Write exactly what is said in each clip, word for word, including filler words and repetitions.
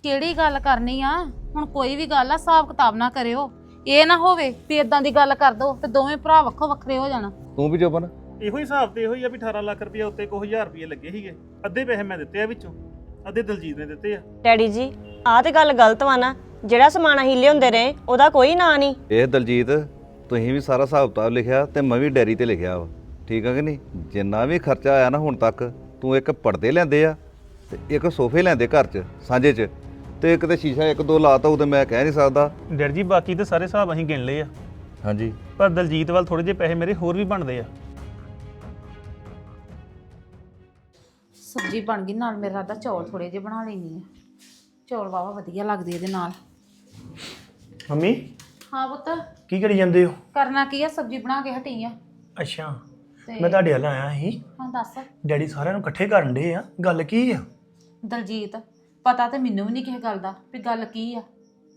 ਕਿਹੜੀ ਗੱਲ ਕਰਨੀ ਆ ਹੁਣ? ਕੋਈ ਵੀ ਗੱਲ ਆ ਹਿਸਾਬ ਕਿਤਾਬ ਨਾ ਕਰਿਓ। ਇਹ ਨਾ ਹੋਵੇ ਵੀ ਇਦਾਂ ਦੀ ਗੱਲ ਕਰ ਦੋ ਤੇ ਦੋਵੇਂ ਭਰਾ ਵੱਖੋ ਵੱਖਰੇ ਹੋ ਜਾਣਾ। ਤੂੰ ਵੀ ਜੋਬਨ ਇਹੋ ਹੀ ਹਿਸਾਬ ਤੇ ਇਹੋ ਹੀ ਆ ਵੀ ਅਠਾਰਾਂ ਲੱਖ ਰੁਪਏ ਉੱਤੇ ਕੋਈ ਹਜ਼ਾਰ ਰੁਪਏ ਲੱਗੇ ਸੀਗੇ। ਅੱਧੇ ਪੈਸੇ ਮੈਂ ਦਿੱਤੇ ਆ ਵਿੱਚੋਂ, ਅੱਧੇ ਦਲਜੀਤ ਨੇ ਦਿੱਤੇ ਆ। ਡੈਡੀ ਜੀ ਆਹ ਤੇ ਗੱਲ ਗਲਤ ਵਾ ਨਾ। ਜਿਹੜਾ ਸਮਾਨ ਅਸੀਂ ਲਿਆਉਂਦੇ ਰਹੇ ਉਹਦਾ ਕੋਈ ਨਾਂ ਨਹੀਂ। ਇਹ ਦਲਜੀਤ ਤੁਸੀਂ ਵੀ ਸਾਰਾ ਹਿਸਾਬ ਕਿਤਾਬ ਲਿਖਿਆ ਤੇ ਮੈਂ ਵੀ ਡੈਰੀ ਤੇ ਲਿਖਿਆ ਵਾ, ਠੀਕ ਆ ਕਿ ਨਹੀਂ? ਜਿੰਨਾ ਵੀ ਖਰਚਾ ਆਇਆ ਨਾ ਹੁਣ ਤੱਕ, ਤੂੰ ਇੱਕ ਪਰਦੇ ਲੈਂਦੇ ਆ ਤੇ ਇੱਕ ਸੋਫੇ ਲੈਂਦੇ ਘਰ 'ਚ ਸਾਂਝੇ 'ਚ, ਤੇ ਇੱਕ ਤੇ ਸ਼ੀਸ਼ਾ ਇੱਕ ਦੋ ਲਾਤਾ, ਉਹ ਤੇ ਮੈਂ ਕਹਿ ਨਹੀਂ ਸਕਦਾ। ਡੈਡ ਜੀ ਬਾਕੀ ਤੇ ਸਾਰੇ ਹਿਸਾਬ ਅਸੀਂ ਗਿਣ ਲਏ ਆ, ਹਾਂਜੀ ਪਰ ਦਲਜੀਤ ਵੱਲ ਥੋੜੇ ਜਿਹੇ ਪੈਸੇ ਮੇਰੇ ਹੋਰ ਵੀ ਬਣਦੇ ਆ। ਸਬਜ਼ੀ ਬਣ ਗਈ, ਨਾਲ ਮੇਰਾ ਰਾਦਾ ਚੌਲ ਥੋੜੇ ਜਿਹੇ ਬਣਾ ਲੈਣੀ ਆ। ਚੌਲ ਵਾਵਾ ਵਧੀਆ ਲੱਗਦੇ ਇਹਦੇ ਨਾਲ। ਮੰਮੀ ਹਾਂ ਪੁੱਤ, ਕੀ ਕਰੀ ਜਾਂਦੇ ਹੋ? ਕਰਨਾ ਕੀ ਆ? ਸਬਜ਼ੀ ਬਣਾ ਕੇ ਹਟੀ ਆ। ਅੱਛਾ ਤੇ ਮੈਂ ਤੁਹਾਡੇ ਵੱਲ ਆਇਆ ਸੀ। ਹਾਂ ਦੱਸ। ਡੈਡੀ ਸਾਰਿਆਂ ਨੂੰ ਇਕੱਠੇ ਕਰਨ ਡੇ ਆ, ਗੱਲ ਕੀ ਆ? ਦਲਜੀਤ ਪਤਾ ਤੇ ਮੈਨੂੰ ਵੀ ਨਹੀਂ ਕਿਸੇ ਗੱਲ ਦਾ ਵੀ ਗੱਲ ਕੀ ਆ।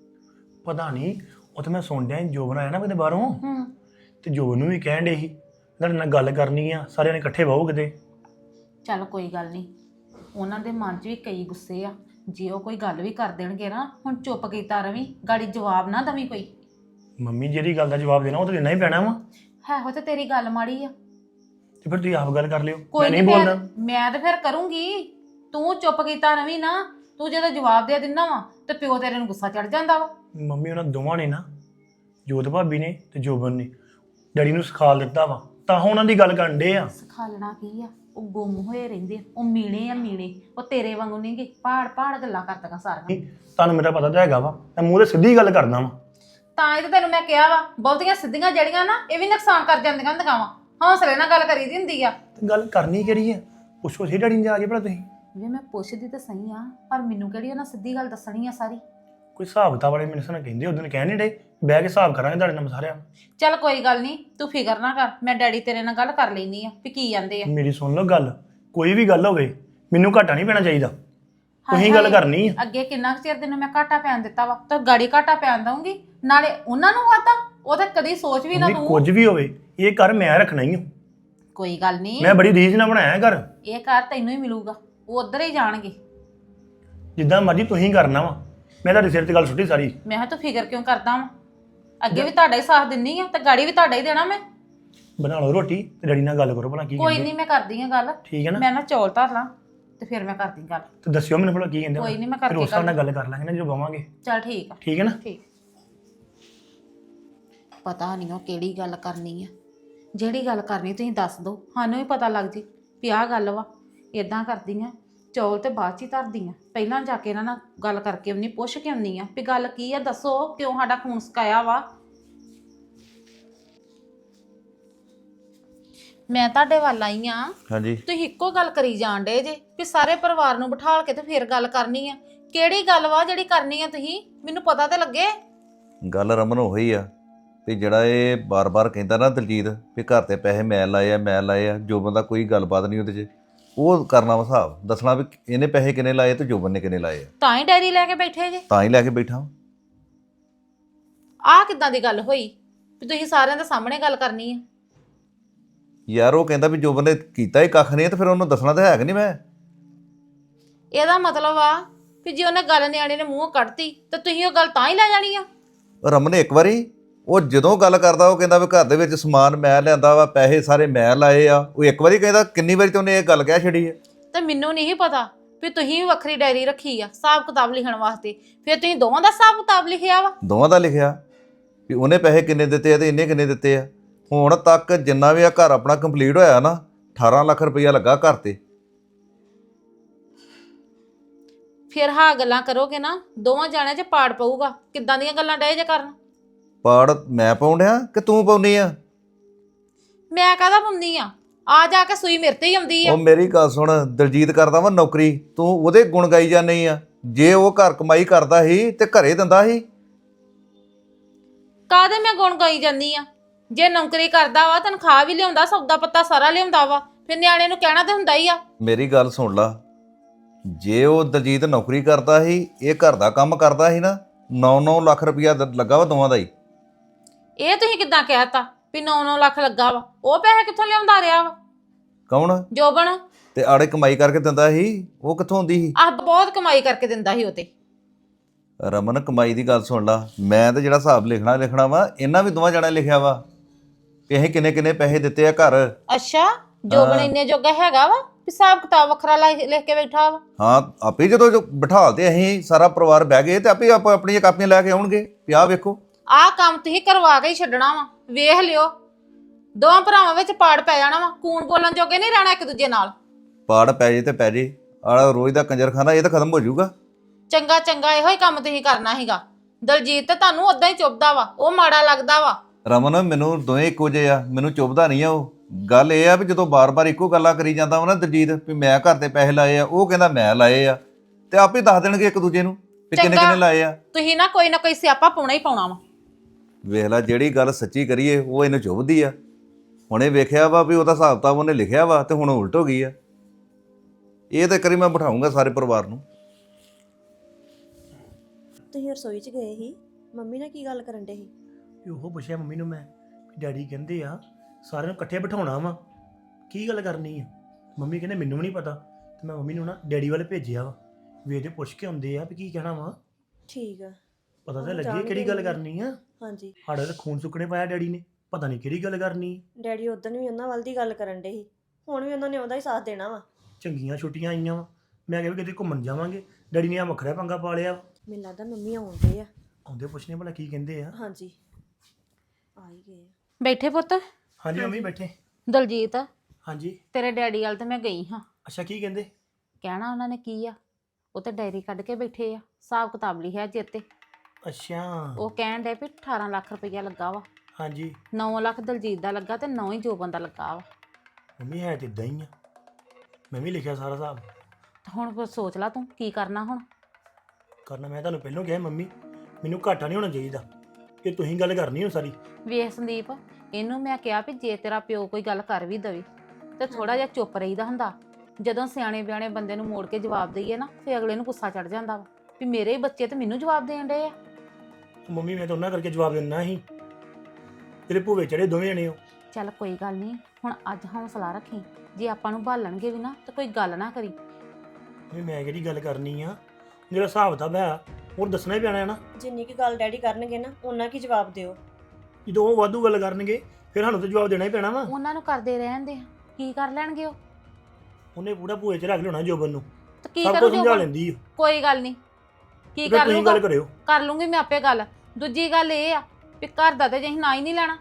ਪਤਾ ਨਹੀਂ, ਉਹ ਤਾਂ ਮੈਂ ਸੁਣ ਡਿਆ ਜੋ ਬਣਾਇਆ ਨਾ ਕਿਤੇ ਬਾਹਰੋਂ, ਹੂੰ ਤੇ ਜੋ ਨੂੰ ਵੀ ਕਹਿਣ ਡੇ ਸੀ ਤੁਹਾਡੇ ਨਾਲ ਗੱਲ ਕਰਨੀ ਆ, ਸਾਰਿਆਂ ਨੇ ਇਕੱਠੇ ਬਹੋ ਕਿਤੇ। ਚੱਲ ਕੋਈ ਗੱਲ ਨਹੀਂ, ਉਹਨਾਂ ਦੇ ਮਨ 'ਚ ਵੀ ਕਈ ਗੁੱਸੇ ਆ। ਜੇ ਉਹ ਕੋਈ ਗੱਲ ਵੀ ਕਰ ਦੇਣਗੇ ਨਾ, ਹੁਣ ਚੁੱਪ ਕੀਤਾ ਰਵੀਂ, ਗਾੜੀ ਜਵਾਬ ਨਾ ਦਵੀਂ ਕੋਈ। ਮੰਮੀ ਜਿਹੜੀ ਗੱਲ ਦਾ ਜਵਾਬ ਦੇਣਾ ਉਹ ਤਾਂ ਦੇਣਾ ਹੀ ਪੈਣਾ ਵਾ, ਹੈ ਹੋ ਤੇ ਤੇਰੀ ਗੱਲ ਮਾੜੀ ਆ। ਤੇ ਫਿਰ ਤੁਸੀਂ ਆਪ ਗੱਲ ਕਰ ਲਿਓ, ਕੋਈ ਮੈਂ ਨਹੀਂ ਨੀ, ਬੋਲਣਾ। ਮੈਂ ਤੇ ਫਿਰ ਕਰੂੰਗੀ। ਤੂੰ ਚੁੱਪ ਕੀਤਾ ਰਵੀਂ ਨਾ। ਤੂੰ ਜਦੋਂ ਜਵਾਬ ਦੇ ਦਿੰਦਾ ਵਾ ਤੇ ਪਿਓ ਤੇਰੇ ਨੂੰ ਗੁੱਸਾ ਚੜ ਜਾਂਦਾ ਵਾ। ਮੰਮੀ ਉਹਨਾਂ ਦੋਵਾਂ ਨੇ ਨਾ, ਜੋਤ ਭਾਬੀ ਨੇ ਤੇ ਜੋਬਨ ਨੇ ਡੈਡੀ ਨੂੰ ਸਿਖਾ ਦਿੱਤਾ ਵਾ, ਤਾਂ ਉਹਨਾਂ ਦੀ ਗੱਲ ਕਰਨ ਡੇ ਆ। ਸਿਖਾ ਲੈਣਾ ਕੀ ਆ? ਉਹ ਗੁੰਮ ਹੋਏ ਰਹਿੰਦੇ ਆ, ਉਹ ਮੀਣੇ ਆ ਮੀਣੇ। ਉਹ ਤੇਰੇ ਵਾਂਗੂ ਨਹੀਂਗੇ ਪਹਾੜ ਪਹਾੜ ਗੱਲਾਂ ਕਰਦੀਆਂ ਸਾਰੀਆਂ। ਤੁਹਾਨੂੰ ਮੇਰਾ ਪਤਾ ਤਾਂ ਹੈਗਾ ਵਾ, ਮੈਂ ਮੂੰਹ ਤੇ ਸਿੱਧੀ ਗੱਲ ਕਰਦਾ ਵਾ। ਤਾਂ ਇਹ ਤਾਂ ਤੈਨੂੰ ਮੈਂ ਕਿਹਾ ਵਾ, ਬਹੁਤੀਆਂ ਸਿੱਧੀਆਂ ਜੜੀਆਂ ਨਾ ਇਹ ਵੀ ਨੁਕਸਾਨ ਕਰ ਜਾਂਦੀਆਂ ਹੁੰਦੀਆਂ ਵਾ। ਹੌਸਲੇ ਨਾਲ ਗੱਲ ਕਰੀ ਦੀ ਹੁੰਦੀ ਆ। ਤੇ ਗੱਲ ਕਰਨੀ ਕਿਹੜੀ ਆ? ਪੁੱਛੋ ਸੀ ਡੈਡੀ ਨੂੰ ਜਾ ਕੇ ਭਲਾ ਤੁਸੀਂ। ਵੀ ਮੈਂ ਪੁੱਛਦੀ ਤਾਂ ਸਹੀ ਆ, ਪਰ ਮੈਨੂੰ ਕਿਹੜੀ ਉਹਨਾਂ ਸਿੱਧੀ ਗੱਲ ਦੱਸਣੀ ਆ ਸਾਰੀ। ਕੋਈ ਹਿਸਾਬ ਕਿਤਾਬ ਵਾਲੇ ਮੈਨੂੰ ਸੁਣਾ ਕਹਿੰਦੇ, ਉਦੋਂ ਕਹਿ ਨਹੀਂ ਡੇ ਬਹਿ ਕੇ ਹਿਸਾਬ ਕਰਾਂਗੇ ਤੁਹਾਡੇ ਨਾਲ ਸਾਰਿਆਂ। ਚੱਲ ਕੋਈ ਗੱਲ ਨਹੀਂ, ਤੂੰ ਫਿਕਰ ਨਾ ਕਰ, ਮੈਂ ਡੈਡੀ ਤੇਰੇ ਨਾਲ ਗੱਲ ਕਰ ਲੈਣੀ ਆ ਵੀ ਕੀ ਜਾਂਦੇ ਆ। ਮੇਰੀ ਸੁਣ ਲਓ ਗੱਲ, ਕੋਈ ਵੀ ਗੱਲ ਹੋਵੇ ਮੈਨੂੰ ਘਾਟਾ ਨਹੀਂ ਪੈਣਾ ਚਾਹੀਦਾ, ਤੁਸੀਂ ਗੱਲ ਕਰਨੀ ਆ। ਅੱਗੇ ਕਿੰਨਾ ਕੁ ਚਿਰ ਤੈਨੂੰ ਮੈਂ ਘਾਟਾ ਪੈਣ ਦਿੱਤਾ ਵਾ, ਤਾਂ ਗਾੜੀ ਘਾਟਾ ਪੈਣ ਦਊਂਗੀ। ਨਾਲੇ ਉਹਨਾਂ ਨੂੰ ਵਾਤਾ, ਉਹ ਤਾਂ ਕਦੀ ਸੋਚ ਵੀ ਨਾ ਮੰਮੀ, ਤੂੰ। ਕੁਝ ਵੀ ਹੋਵੇ ਇਹ ਘਰ ਮੈਂ ਰੱਖਣਾ ਹੀ ਆ। ਕੋਈ ਗੱਲ ਨਹੀਂ, ਮੈਂ ਬੜੀ ਰੀਝ ਨਾਲ ਬਣਾਇਆ ਘਰ, ਇਹ ਘਰ ਤੈਨੂੰ ਹੀ ਮਿਲੂਗਾ, ਉਹ ਉਧਰ ਹੀ ਜਾਣਗੇ। ਜਿੱਦਾਂ ਮਰਜ਼ੀ ਤੁਸੀਂ ਕਰਨਾ ਵਾ, ਮੈਂ ਤੁਹਾਡੇ ਸਿਰ ਤੇ ਗੱਲ ਸੁੱਟੀ ਸਾਰੀ। ਮੈਂ ਕਿਹਾ ਤੂੰ ਫਿਕਰ ਕਿਉਂ ਕਰਦਾ ਵਾ? ਅੱਗੇ ਵੀ ਤੁਹਾਡਾ ਹੀ ਸਾਥ ਦਿੰਨੀ ਆ ਤੇ ਗਾੜੀ ਵੀ ਤੁਹਾਡਾ ਹੀ ਦੇਣਾ ਮੈਂ। ਬਣਾ ਲਓ ਰੋਟੀ ਤੇ ਡੈਡੀ ਨਾਲ ਗੱਲ ਕਰੋ ਭਲਾ ਕੀ ਕੋਈ ਕਹਿੰਦੇ। ਨਹੀਂ, ਮੈਂ ਕਰਦੀ ਆ ਗੱਲ। ਠੀਕ ਹੈ ਨਾ? ਮੈਂ ਨਾ ਚੌਲ ਧਰ ਲਾਂ ਤੇ ਫਿਰ ਮੈਂ ਕਰਦੀ ਗੱਲ। ਤੇ ਦੱਸਿਓ ਮੈਨੂੰ ਭਲਾ ਕੀ ਕਹਿੰਦੇ। ਕੋਈ ਨੀ, ਮੈਂ ਫਿਰ ਕਰਕੇ ਉਸ ਹਿਸਾਬ ਨਾਲ ਗੱਲ ਕਰ ਲਾਂਗੇ ਨਾ ਜਦੋਂ ਬਵਾਂਗੇ। ਚੱਲ ਠੀਕ ਆ। ਠੀਕ ਹੈ ਨਾ? ਠੀਕ। ਪਤਾ ਨਹੀਂ ਉਹ ਕਿਹੜੀ ਗੱਲ ਕਰਨੀ ਆ। ਜਿਹੜੀ ਗੱਲ ਕਰਨੀ ਤੁਸੀਂ ਦੱਸ ਦਿਓ, ਸਾਨੂੰ ਵੀ ਪਤਾ ਲੱਗ ਜੇ ਵੀ ਆਹ ਗੱਲ ਵਾ। ਇਦਾਂ ਕਰਦੀ ਆ, ਚੌਲ ਤੇ ਬਾਅਦ 'ਚ ਹੀ ਧਰਦੀ ਆ, ਪਹਿਲਾਂ ਜਾ ਕੇ ਇਹਨਾਂ ਨਾਲ ਗੱਲ ਕਰਕੇ ਆਉਣੀ, ਪੁੱਛ ਕੇ ਆਉਣੀ ਆ ਵੀ ਗੱਲ ਕੀ ਆ, ਦੱਸੋ ਕਿਉਂ ਸਾਡਾ ਖੂਨ ਸੁਕਾਇਆ ਵਾ। ਮੈਂ ਤੁਹਾਡੇ ਵੱਲ ਆਈ ਆ। ਹਾਂਜੀ ਤੁਸੀਂ ਇੱਕੋ ਗੱਲ ਕਰੀ ਜਾਣ ਡੇ ਜੇ ਵੀ ਸਾਰੇ ਪਰਿਵਾਰ ਨੂੰ ਬਿਠਾਲ ਕੇ ਤੇ ਫਿਰ ਗੱਲ ਕਰਨੀ ਆ। ਕਿਹੜੀ ਗੱਲ ਵਾ ਜਿਹੜੀ ਕਰਨੀ ਆ? ਤੁਸੀਂ ਮੈਨੂੰ ਪਤਾ ਤੇ ਲੱਗੇ। ਗੱਲ ਰਮਨ ਉਹੀ ਆ ਵੀ ਜਿਹੜਾ ਇਹ ਬਾਰ-ਬਾਰ ਕਹਿੰਦਾ ਨਾ ਦਲਜੀਤ ਵੀ ਘਰ ਤੇ ਪੈਸੇ ਮੈਂ ਲਾਏ ਆ ਮੈਂ ਲਾਏ ਆ, ਜੋਬਨ ਦਾ ਕੋਈ ਗੱਲਬਾਤ ਨਹੀਂ ਉਹਦੇ 'ਚ। ਉਹ ਕਰਨਾ ਵਾ ਹਿਸਾਬ, ਦੱਸਣਾ ਵੀ ਇਹਨੇ ਪੈਸੇ ਕਿੰਨੇ ਲਾਏ ਤੇ ਜੋਬਨ ਨੇ ਕਿੰਨੇ ਲਾਏ ਆ। ਤਾਂ ਹੀ ਡੈਰੀ ਲੈ ਕੇ ਬੈਠੇ ਜੇ। ਤਾਂ ਹੀ ਲੈ ਕੇ ਬੈਠਾ। ਆਹ ਕਿੱਦਾਂ ਦੀ ਗੱਲ ਹੋਈ ਵੀ ਤੁਸੀਂ ਸਾਰਿਆਂ ਦੇ ਸਾਹਮਣੇ ਗੱਲ ਕਰਨੀ ਆ? ਯਾਰ ਉਹ ਕਹਿੰਦਾ ਵੀ ਜੋਬਨ ਨੇ ਕੀਤਾ ਹੀ ਕੱਖ ਨਹੀਂ ਤੇ ਫਿਰ ਉਹਨੂੰ ਦੱਸਣਾ ਤਾਂ ਹੈ ਕਿ ਨਹੀਂ ਮੈਂ। ਇਹਦਾ ਮਤਲਬ ਆ ਵੀ ਜੇ ਉਹਨੇ ਗੱਲ ਨਿਆਣੇ ਨੇ ਮੂੰਹੋਂ ਕੱਢਤੀ ਤਾਂ ਤੁਸੀਂ ਉਹ ਗੱਲ ਤਾਂ ਹੀ ਲੈ ਜਾਣੀ ਆ? ਰਮਨ ਇੱਕ ਵਾਰੀ ਉਹ ਜਦੋਂ ਗੱਲ ਕਰਦਾ ਉਹ ਕਹਿੰਦਾ ਵੀ ਘਰ ਦੇ ਵਿੱਚ ਸਮਾਨ ਮੈਂ ਲਿਆਂਦਾ ਵਾ, ਪੈਸੇ ਸਾਰੇ ਮੈਂ ਲਾਏ ਆ। ਉਹ ਇੱਕ ਵਾਰੀ ਕਹਿੰਦਾ, ਕਿੰਨੀ ਵਾਰੀ ਤੇ ਉਹਨੇ ਇਹ ਗੱਲ ਕਹਿ ਛੱਡੀ ਹੈ। ਤੇ ਮੈਨੂੰ ਨਹੀਂ ਪਤਾ ਵੀ ਤੁਸੀਂ ਵੀ ਵੱਖਰੀ ਡਾਇਰੀ ਰੱਖੀ ਆ ਹਿਸਾਬ ਕਿਤਾਬ ਲਿਖਣ ਵਾਸਤੇ। ਫਿਰ ਤੁਸੀਂ ਦੋਵਾਂ ਦਾ ਹਿਸਾਬ ਕਿਤਾਬ ਲਿਖਿਆ ਵਾ? ਦੋਵਾਂ ਦਾ ਲਿਖਿਆ ਵੀ ਉਹਨੇ ਪੈਸੇ ਕਿੰਨੇ ਦਿੱਤੇ ਆ ਤੇ ਇਹਨੇ ਕਿੰਨੇ ਦਿੱਤੇ ਆ। ਹੁਣ ਤੱਕ ਜਿੰਨਾ ਵੀ ਆ ਘਰ ਆਪਣਾ ਕੰਪਲੀਟ ਹੋਇਆ ਨਾ, ਅਠਾਰਾਂ ਲੱਖ ਰੁਪਈਆ ਲੱਗਾ ਘਰ ਤੇ। ਫਿਰ ਹਾਂ ਗੱਲਾਂ ਕਰੋਗੇ ਨਾ, ਦੋਵਾਂ ਜਾਣਿਆਂ 'ਚ ਪਾੜ ਪਊਗਾ। ਕਿੱਦਾਂ ਦੀਆਂ ਗੱਲਾਂ ਡਏ ਜੇ ਕਰਨ? ਪਾੜ ਮੈਂ ਪਾਉਣ ਡਿਆ ਕਿ ਤੂੰ ਪਾਉਣੀ ਆ? ਮੈਂ ਕਾਹਦਾ ਪਾਉਂਦੀ ਆ? ਆ ਜਾ ਕੇ ਸੂਈ ਮੇਰੇ ਤੇ ਹੀ ਆਉਂਦੀ ਆ। ਉਹ ਮੇਰੀ ਗੱਲ ਸੁਣ, ਦਲਜੀਤ ਕਰਦਾ ਵਾ ਨੌਕਰੀ, ਤੂੰ ਉਹਦੇ ਗੁਣ ਗਾਈ ਜਾਂਦੀ ਆ। ਜੇ ਉਹ ਘਰ ਕਮਾਈ ਕਰਦਾ ਸੀ ਤੇ ਘਰੇ ਦਿੰਦਾ ਸੀ। ਕਾਹਦੇ ਮੈਂ ਗੁਣ ਗਾਈ ਜਾਂਦੀ ਆ? ਜੇ ਨੌਕਰੀ ਕਰਦਾ ਵਾ, ਤਨਖਾਹ ਵੀ ਲਿਆਉਂਦਾ, ਸੌਦਾ ਪੱਤਾ ਸਾਰਾ ਲਿਆਉਂਦਾ ਵਾ, ਫਿਰ ਨਿਆਣੇ ਨੂੰ ਕਹਿਣਾ ਤੇ ਹੁੰਦਾ ਹੀ ਆ। ਮੇਰੀ ਗੱਲ ਸੁਣ ਲਾ, ਜੇ ਉਹ ਦਲਜੀਤ ਨੌਕਰੀ ਕਰਦਾ ਸੀ, ਇਹ ਘਰ ਦਾ ਕੰਮ ਕਰਦਾ ਸੀ ਨਾ, ਨੌ ਨੌ ਲੱਖ ਰੁਪਈਆ ਲੱਗਾ ਵਾ ਦੋਵਾਂ ਦਾ ਹੀ। ਇਹ ਤੁਸੀਂ ਕਿੱਦਾਂ ਕਹਿਤਾ ਵੀ ਨੌ ਨੌ ਲੱਖ ਲੱਗਾ ਵਾ? ਉਹ ਪੈਸੇ ਕਿੱਥੋਂ ਲਿਆਉਂਦਾ ਰਿਹਾ ਵਾ? ਕੌਣ? ਜੋਬਨ। ਤੇ ਆੜੇ ਕਮਾਈ ਕਰਕੇ ਦਿੰਦਾ ਸੀ, ਉਹ ਕਿੱਥੋਂ ਆਉਂਦੀ ਸੀ? ਆਹ ਬਹੁਤ ਕਮਾਈ ਕਰਕੇ ਦਿੰਦਾ ਸੀ ਉਹ ਤੇ। ਰਮਨ ਕਮਾਈ ਦੀ ਗੱਲ ਸੁਣ ਲਾ, ਮੈਂ ਤੇ ਜਿਹੜਾ ਹਿਸਾਬ ਲਿਖਣਾ ਲਿਖਣਾ ਵਾ ਇਹਨਾਂ ਵੀ ਦੋਵਾਂ ਜਣਾ ਲਿਖਿਆ ਵਾ ਕਿ ਅਸੀਂ ਕਿੰਨੇ ਕਿੰਨੇ ਪੈਸੇ ਦਿੱਤੇ ਆ ਘਰ। ਅੱਛਾ ਜੋਬਨ ਹਾਂ। ਇੰਨੇ ਜੋਗਾ ਹੈਗਾ ਵਾ ਹਿਸਾਬ ਕਿਤਾਬ ਵੱਖਰਾ ਲਿਖ ਲਿਖ ਕੇ ਬੈਠਾ ਵਾ। ਹਾਂ ਆਪੇ ਜਦੋਂ ਜੋ ਬਿਠਾਲ ਤੇ ਅਸੀਂ ਸਾਰਾ ਪਰਿਵਾਰ ਬਹਿ ਗਏ ਤੇ ਆਪੇ ਆਪ ਆਪਣੀਆਂ ਕਾਪੀਆਂ ਲੈ ਕੇ ਆਉਣਗੇ ਵੀ ਆਹ ਵੇਖੋ। ਆਹ ਕੰਮ ਤੁਸੀਂ ਕਰਵਾ ਕੇ ਹੀ ਛੱਡਣਾ ਵਾ, ਵੇਖ ਲਿਓ ਦੋਵਾਂ ਭਰਾਵਾਂ ਵਿੱਚ ਪਾੜ ਪੈ ਜਾਣਾ ਵਾ, ਕੂਣ ਬੋਲਣ ਜੋਗੇ ਨਹੀਂ ਰਹਿਣਾ ਇੱਕ ਦੂਜੇ ਨਾਲ। ਪਾੜ ਪੈ ਜੇ ਤੇ ਪੈ ਜੇ, ਆਹ ਰੋਜ਼ ਦਾ ਕੰਜਰਖਾਨਾ ਇਹ ਤਾਂ ਖਤਮ ਹੋ ਜਾਊਗਾ। ਚੰਗਾ ਚੰਗਾ ਇਹੋ ਹੀ ਕੰਮ ਤੁਸੀਂ ਕਰਨਾ ਸੀਗਾ। ਦਲਜੀਤ ਤੇ ਤੁਹਾਨੂੰ ਉਦਾਂ ਹੀ ਚੁੱਭਦਾ ਵਾ, ਉਹ ਮਾੜਾ ਲੱਗਦਾ ਵਾ। ਰਮਨ ਮੈਨੂੰ ਦੋਵੇਂ ਇੱਕੋ ਜਿਹੇ ਆ, ਮੈਨੂੰ ਚੁੱਭਦਾ ਨਹੀਂ ਆ ਉਹ। ਗੱਲ ਇਹ ਆ ਵੀ ਜਦੋਂ ਬਾਰ-ਬਾਰ ਇੱਕੋ ਗੱਲਾਂ ਕਰੀ ਜਾਂਦਾ ਵਾ ਨਾ ਦਲਜੀਤ ਵੀ ਮੈਂ ਘਰ ਤੇ ਪੈਸੇ ਲਾਏ ਆ, ਉਹ ਕਹਿੰਦਾ ਮੈਂ ਲਾਏ ਆ, ਤੇ ਆਪੇ ਦੱਸ ਦੇਣਗੇ ਇੱਕ ਦੂਜੇ ਨੂੰ ਵੀ ਕਿੰਨੇ ਚੰਗਾ। ਕਿੰਨੇ ਲਾਏ ਆ। ਤੁਸੀਂ ਨਾ ਕੋਈ ਨਾ ਕੋਈ ਸਿਆਪਾ ਪਾਉਣਾ ਹੀ ਪਾਉਣਾ ਵਾ। ਵੇਖ ਲੈ ਜਿਹੜੀ ਗੱਲ ਸੱਚੀ ਕਰੀਏ ਉਹ ਇਹਨੂੰ ਚੁੱਭਦੀ ਆ। ਹੁਣੇ ਵੇਖਿਆ ਵਾ ਵੀ ਉਹਦਾ ਹਿਸਾਬ ਕਿਤਾਬ ਉਹਨੇ ਲਿਖਿਆ ਵਾ ਤੇ ਹੁਣ ਉਲਟ ਹੋ ਗਈ ਆ। ਇਹ ਤਾਂ ਕਰੀ ਮੈਂ ਬਿਠਾਉਂਗਾ ਸਾਰੇ ਪਰਿਵਾਰ ਨੂੰ। ਤੁਸੀਂ ਰਸੋਈ 'ਚ ਗਏ ਸੀ, ਮੰਮੀ ਨਾਲ ਕੀ ਗੱਲ ਕਰਨ ਡੇ ਸੀ? ਵੀ ਉਹ ਪੁੱਛਿਆ ਮੰਮੀ ਨੂੰ ਮੈਂ ਵੀ ਡੈਡੀ ਕਹਿੰਦੇ ਆ ਸਾਰਿਆਂ ਨੂੰ ਇਕੱਠੇ ਬਿਠਾਉਣਾ ਵਾ, ਕੀ ਗੱਲ ਕਰਨੀ ਆ? ਮੰਮੀ ਕਹਿੰਦੇ ਮੈਨੂੰ ਵੀ ਨਹੀਂ ਪਤਾ, ਤੇ ਮੈਂ ਮੰਮੀ ਨੂੰ ਨਾ ਡੈਡੀ ਵੱਲ ਭੇਜਿਆ ਵਾ ਵੀ ਇਹਦੇ ਪੁੱਛ ਕੇ ਆਉਂਦੇ ਆ ਵੀ ਕੀ ਕਹਿਣਾ ਵਾ, ਠੀਕ ਆ। ਪਤਾ ਤਾਂ ਉਹ ਲੱਗੇ ਜਾਣਗੇ ਕਿਹੜੀ ਗੱਲ ਮੰਮੀ। ਕਰਨੀ ਆ। ਹਾਂਜੀ ਸਾਡਾ ਤਾਂ ਖੂਨ ਸੁੱਕਣੇ ਪਾਇਆ ਡੈਡੀ ਨੇ, ਪਤਾ ਨਹੀਂ ਕਿਹੜੀ ਗੱਲ ਕਰਨੀ ਆ। ਡੈਡੀ ਉਦੋਂ ਵੀ ਉਹਨਾਂ ਵੱਲ ਦੀ ਗੱਲ ਕਰਨ ਡੇ ਸੀ, ਹੁਣ ਵੀ ਉਹਨਾਂ ਨੇ ਉਹਦਾ ਹੀ ਸਾਥ ਦੇਣਾ ਵਾ। ਚੰਗੀਆਂ ਛੁੱਟੀਆਂ ਆਈਆਂ ਵਾ, ਮੈਂ ਕਿਹਾ ਵੀ ਕਿਤੇ ਘੁੰਮਣ ਜਾਵਾਂਗੇ, ਡੈਡੀ ਨੇ ਆ ਵੱਖਰਾ ਪੰਗਾ ਪਾ ਲਿਆ ਵਾ। ਮੈਨੂੰ ਲੱਗਦਾ ਮੰਮੀ ਆਉਂਦੇ ਆ। ਆਉਂਦੇ ਪੁੱਛਣੇ ਭਲਾ ਕੀ ਕਹਿੰਦੇ ਆ। ਹਾਂਜੀ ਆ ਹੀ ਗਏ ਆ। ਬੈਠੇ ਪੁੱਤ। ਹਾਂਜੀ ਮੰਮੀ ਬੈਠੇ। ਦਲਜੀਤ ਹਾਂਜੀ ਤੇਰੇ ਡੈਡੀ ਵੱਲ ਤੇ ਮੈਂ ਗਈ ਹਾਂ, ਅੱਛਾ ਕੀ ਕਹਿੰਦੇ? ਕਹਿਣਾ ਉਹਨਾਂ ਨੇ ਕੀ ਆ, ਉਹ ਤੇ ਡਾਇਰੀ ਕੱਢ ਕੇ ਬੈਠੇ ਆ, ਹਿਸਾਬ ਕਿਤਾਬ ਲਿਖਿਆ ਚੇਤੇ। ਅੱਛਾ ਉਹ ਕਹਿਣ ਡੇ ਵੀ ਅਠਾਰਾਂ ਲੱਖ ਰੁਪਈਆ ਲੱਗਾ ਵਾ, ਹਾਂਜੀ ਨੌ ਲੱਖ ਦਲਜੀਤ ਦਾ ਲੱਗਾ ਤੇ ਨੌ ਹੀ ਜੋਬਨ ਦਾ ਲੱਗਾ ਵਾ। ਮੰਮੀ ਹੈ ਤੇ ਇਦਾਂ ਹੀ ਆ, ਮੈਂ ਵੀ ਲਿਖਿਆ ਸਾਰਾ ਹਿਸਾਬ। ਤੇ ਹੁਣ ਫਿਰ ਸੋਚ ਲਾ ਤੂੰ ਕੀ ਕਰਨਾ ਹੁਣ। ਕਰਨਾ ਮੈਂ ਤੁਹਾਨੂੰ ਪਹਿਲਾਂ ਕਿਹਾ ਮੰਮੀ ਮੈਨੂੰ ਘਾਟਾ ਨਹੀਂ ਹੋਣਾ ਚਾਹੀਦਾ, ਇਹ ਤੁਸੀਂ ਗੱਲ ਕਰਨੀ ਹੋ ਸਾਰੀ। ਵੇਖ ਸੰਦੀਪ, ਇਹਨੂੰ ਮੈਂ ਕਿਹਾ ਵੀ ਜੇ ਤੇਰਾ ਪਿਓ ਕੋਈ ਗੱਲ ਕਰ ਵੀ ਦਵੇ ਤੇ ਥੋੜਾ ਜਿਹਾ ਚੁੱਪ ਰਹੀਦਾ ਹੁੰਦਾ। ਜਦੋਂ ਸਿਆਣੇ ਬਿਆਣੇ ਬੰਦੇ ਨੂੰ ਮੋੜ ਕੇ ਜਵਾਬ ਦਈਏ ਨਾ ਫੇ ਅਗਲੇ ਨੂੰ ਗੁੱਸਾ ਚੜ ਜਾਂਦਾ ਵਾ ਵੀ ਮੇਰੇ ਹੀ ਬੱਚੇ ਤੇ ਮੈਨੂੰ ਜਵਾਬ ਦੇਣ ਡਏ ਆ। ਮੰਮੀ ਮੈਂ ਤਾਂ ਉਹਨਾਂ ਕਰਕੇ ਜਵਾਬ ਦਿੰਦਾ ਸੀ, ਤੇਰੇ ਭੂਵੇ ਚੜੇ ਦੋਵੇਂ ਜਣੇ ਹੋ। ਚੱਲ ਕੋਈ ਗੱਲ ਨਹੀਂ, ਹੁਣ ਅੱਜ ਹੌਸਲਾ ਰੱਖੀ, ਜੇ ਆਪਾਂ ਨੂੰ ਭਾਲਣਗੇ ਵੀ ਨਾ ਤਾਂ ਕੋਈ ਗੱਲ ਨਾ ਕਰੀ। ਵੀ ਮੈਂ ਕਿਹੜੀ ਗੱਲ ਕਰਨੀ ਆ, ਜਿਹੜਾ ਹਿਸਾਬ ਤਾਂ ਹੈ ਉਹ ਦੱਸਣਾ ਹੀ ਪੈਣਾ ਹੈ ਨਾ। ਜਿੰਨੀ ਕੀ ਗੱਲ ਡੈਡੀ ਕਰਨਗੇ ਨਾ ਉਹਨਾਂ ਕੀ ਜਵਾਬ ਦਿਓ। ਜਦੋਂ ਉਹ ਵਾਧੂ ਗੱਲ ਕਰਨਗੇ ਫਿਰ ਸਾਨੂੰ ਤਾਂ ਜਵਾਬ ਦੇਣਾ ਹੀ ਪੈਣਾ ਵਾ। ਉਹਨਾਂ ਨੂੰ ਕਰਦੇ ਰਹਿਣ ਦੇ, ਕੀ ਕਰ ਲੈਣਗੇ ਉਹ? ਉਹਨੇ ਪੂਰਾ ਭੂਏ ਚ ਰੱਖ ਲਿਆਉਣਾ ਜੋਬਨ ਨੂੰ, ਤੇ ਕੀ ਸਭ ਕਰੂ ਕੁਝ ਸਮਝਾ ਜੋ? ਲੈਂਦੀ ਆ। ਕੋਈ ਗੱਲ ਨਹੀਂ, ਕੀ ਫਿਰ ਕਰ ਤੁਸੀਂ ਲੂਗਾ? ਗੱਲ ਕਰਿਓ। ਕਰ ਲੂੰਗੀ ਮੈਂ ਆਪੇ ਗੱਲ। ਦੂਜੀ ਗੱਲ ਇਹ ਆ ਵੀ ਘਰ ਦਾ ਤੇ ਜੇ ਅਸੀਂ ਨਾ ਹੀ ਨਹੀਂ ਲੈਣਾ,